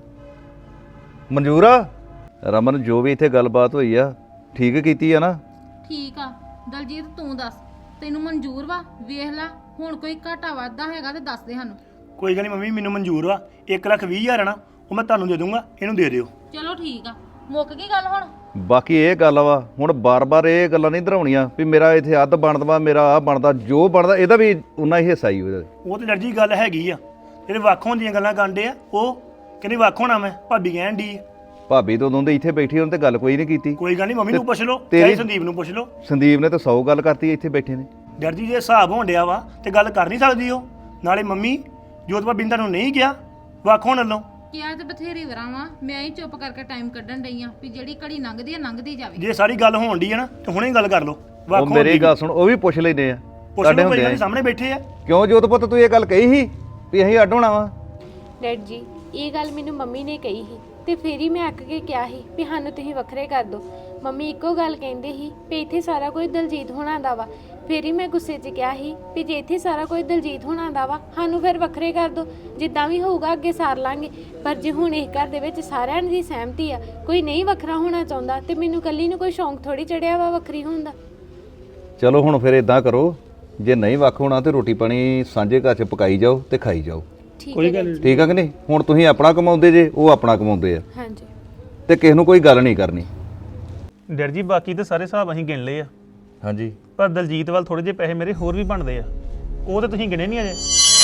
ਮਨਜ਼ੂਰ ਆ? ਰਮਨ ਜੋ ਵੀ ਇੱਥੇ ਗੱਲਬਾਤ ਹੋਈ ਆ ਠੀਕ ਕੀਤੀ ਆ ਨਾ? ਠੀਕ ਆ ਦਲਜੀਤ, ਤੂੰ ਦੱਸ ਤੈਨੂੰ ਮਨਜ਼ੂਰ ਵਾ? ਵੇਖ ਲੈ, ਹੁਣ ਕੋਈ ਘਾਟਾ ਵਾਧਾ ਹੈਗਾ ਤੇ ਦੱਸ ਦੇ ਸਾਨੂੰ। ਕੋਈ ਗੱਲ ਨਹੀਂ ਮੰਮੀ, ਮੈਨੂੰ ਮਨਜ਼ੂਰ ਵਾ। ਇੱਕ ਲੱਖ ਵੀਹ ਹਜ਼ਾਰ ਹੈ ਨਾ, ਉਹ ਮੈਂ ਤੁਹਾਨੂੰ ਦੇ ਦੂੰਗਾ, ਇਹਨੂੰ ਦੇ ਦਿਓ। ਚਲੋ ਠੀਕ ਆ, ਮੁੱਕ ਗਈ ਗੱਲ ਹੁਣ? ਬਾਕੀ ਇਹ ਗੱਲ ਵਾ, ਹੁਣ ਬਾਰ-ਬਾਰ ਇਹ ਗੱਲਾਂ ਨਹੀਂ ਦਰਾਉਣੀਆਂ ਵੀ ਮੇਰਾ ਇੱਥੇ ਅੱਧ ਬਣਦਾ, ਮੇਰਾ ਆ ਬਣਦਾ, ਜੋ ਬਣਦਾ ਇਹਦਾ ਵੀ ਉਨਾ ਹੀ ਹਿੱਸਾ ਹੀ ਉਹਦਾ। ਉਹ ਤੇ ਡਰ ਜੀ ਗੱਲ ਹੈਗੀ ਆ, ਜਿਹੜੇ ਵੱਖ ਹੋਣ ਦੀਆਂ ਗੱਲਾਂ ਕਾਂਡੇ ਆ, ਉਹ ਕਹਿੰਦੇ ਵੱਖ ਹੋਣਾ ਮੈਂ, ਭਾਬੀ ਕਹਿਣ ਦੀ। ਭਾਬੀ ਤੋਂ ਉਦੋਂ ਦੇ ਇੱਥੇ ਬੈਠੀ ਉਹਨੇ ਤੇ ਗੱਲ ਕੋਈ ਨਹੀਂ ਕੀਤੀ। ਕੋਈ ਗੱਲ ਨਹੀਂ, ਮੰਮੀ ਨੂੰ ਪੁੱਛ ਲਓ, ਤੇਰੀ- ਚਾਹੇ ਸੰਦੀਪ ਨੂੰ ਪੁੱਛ ਲਓ। ਸੰਦੀਪ ਨੇ ਤਾਂ ਸੌ ਗੱਲ ਕਰਤੀ ਇੱਥੇ ਬੈਠੇ ਨੇ। ਡਰ ਜੀ ਜੇ ਹਿਸਾਬ ਹੋਣ ਡਿਆ ਵਾ ਤੇ ਗੱਲ ਕਰ ਨਹੀਂ ਸਕਦੀ ਉਹ। ਨਾਲੇ ਮੰਮੀ ਜੋਤ ਭਾਬੀ ਨੇ ਤੁਹਾਨੂੰ ਨਹੀਂ ਕਿਹਾ ਵੱਖ ਹੋਣ ਵੱਲੋਂ? ਕਿਹਾ ਤੇ ਬਥੇਰੀ ਵਾਰਾਂ ਵਾ, ਮੈਂ ਹੀ ਚੁੱਪ ਕਰਕੇ ਟਾਈਮ ਕੱਢਣ ਡਈ ਆ ਵੀ ਜਿਹੜੀ ਘੜੀ ਲੰਘਦੀ ਆ ਲੰਘਦੀ ਜਾਵੇ। ਜੇ ਸਾਰੀ ਗੱਲ ਹੋਣ ਡਈ ਹੈ ਨਾ ਤੇ ਹੁਣੇ ਗੱਲ ਕਰ ਲਓ ਵੱਖ ਉਹ ਹੋਣ ਮੇਰੀ ਦੀ। ਗੱਲ ਸੁਣ, ਉਹ ਵੀ ਪੁੱਛ ਲੈਂਦੇ ਆ ਪੁੱਛ ਸਾਡੇ ਲਓ, ਹੁੰਦੇ ਭਾਈ ਆ। ਸਾਹਮਣੇ ਬੈਠੇ ਆ। ਕਿਉਂ ਜੋਤ ਪੁੱਤ ਤੂੰ ਇਹ ਗੱਲ ਕਹੀ ਸੀ ਵੀ ਅਸੀਂ ਅੱਡ ਹੋਣਾ ਵਾ? ਡੈਡ ਜੀ ਇਹ ਗੱਲ ਮੈਨੂੰ ਮੰਮੀ ਨੇ ਕਹੀ ਸੀ ਤੇ ਫਿਰ ਹੀ ਮੈਂ ਅੱਕ ਕੇ ਕਿਹਾ ਸੀ ਵੀ ਸਾਨੂੰ ਤੁਸੀਂ ਵੱਖਰੇ ਕਰ ਦਿਓ। ਮੰਮੀ ਇੱਕੋ ਗੱਲ ਕਹਿੰਦੇ ਸੀ ਵੀ ਇੱਥੇ ਸਾਰਾ ਕੁਝ ਦਲਜੀਤ ਹੋਣਾ ਦਾ ਵਾ। ਫਿਰ ਹੀ ਮੈਂ ਗੁੱਸੇ 'ਚ ਕਿਹਾ ਸੀ ਵੀ ਜੇ ਇੱਥੇ ਸਾਰਾ ਕੁਝ ਦਲਜੀਤ ਹੋਣਾ ਦਾ ਵਾ, ਸਾਨੂੰ ਫਿਰ ਵੱਖਰੇ ਕਰ ਦਿਓ, ਜਿੱਦਾਂ ਵੀ ਹੋਊਗਾ ਅੱਗੇ ਸਾਰ ਲਾਂਗੇ। ਪਰ ਜੇ ਹੁਣ ਇਸ ਘਰ ਦੇ ਵਿੱਚ ਸਾਰਿਆਂ ਦੀ ਸਹਿਮਤੀ ਆ, ਕੋਈ ਨਹੀਂ ਵੱਖਰਾ ਹੋਣਾ ਚਾਹੁੰਦਾ, ਤੇ ਮੈਨੂੰ ਇਕੱਲੀ ਨੂੰ ਕੋਈ ਸ਼ੌਂਕ ਥੋੜੀ ਚੜਿਆ ਵਾ ਵੱਖਰੀ ਹੋਣ ਦਾ। ਚਲੋ ਹੁਣ ਫਿਰ ਇਦਾਂ ਕਰੋ, ਜੇ ਨਹੀਂ ਵੱਖ ਹੋਣਾ ਤੇ ਰੋਟੀ ਪਾਣੀ ਸਾਂਝੇ ਘਰ 'ਚ ਪਕਾਈ ਜਾਓ ਤੇ ਖਾਈ ਜਾਓ। ਠੀਕ ਕੋਈ ਹੈ ਗੱਲ ਡੈਡ ਨਹੀਂ। ਠੀਕ ਆ ਕਿ ਨਹੀਂ? ਹੁਣ ਤੁਸੀਂ ਆਪਣਾ ਕਮਾਉਂਦੇ ਜੇ, ਉਹ ਆਪਣਾ ਕਮਾਉਂਦੇ ਆ, ਹਾਂਜੀ ਤੇ ਕਿਸੇ ਨੂੰ ਕੋਈ ਗੱਲ ਨਹੀਂ ਕਰਨੀ। ਡੈਡ ਜੀ ਬਾਕੀ ਤੇ ਸਾਰੇ ਹਿਸਾਬ ਅਸੀਂ ਗਿਣ ਲਏ ਆ, ਹਾਂਜੀ ਪਰ ਦਲਜੀਤ ਵੱਲ ਥੋੜੇ ਜਿਹੇ ਪੈਸੇ ਮੇਰੇ ਹੋਰ ਵੀ ਬਣਦੇ ਆ, ਉਹ ਤੇ ਤੁਸੀਂ ਗਿਣੇ ਨਹੀਂ ਅਜੇ।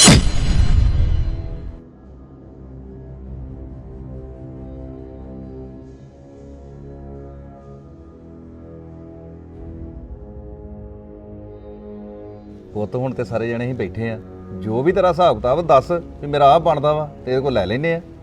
ਪੁੱਤ ਹੁਣ ਤੇ ਸਾਰੇ ਜਣੇ ਹੀ ਬੈਠੇ ਆ, ਜੋ ਵੀ ਤੇਰਾ ਹਿਸਾਬ ਕਿਤਾਬ ਦੱਸ ਵੀ ਮੇਰਾ ਆਹ ਬਣਦਾ ਵਾ ਤੇ ਇਹਦੇ ਕੋਲ ਲੈ ਲੈਨੇ ਆ।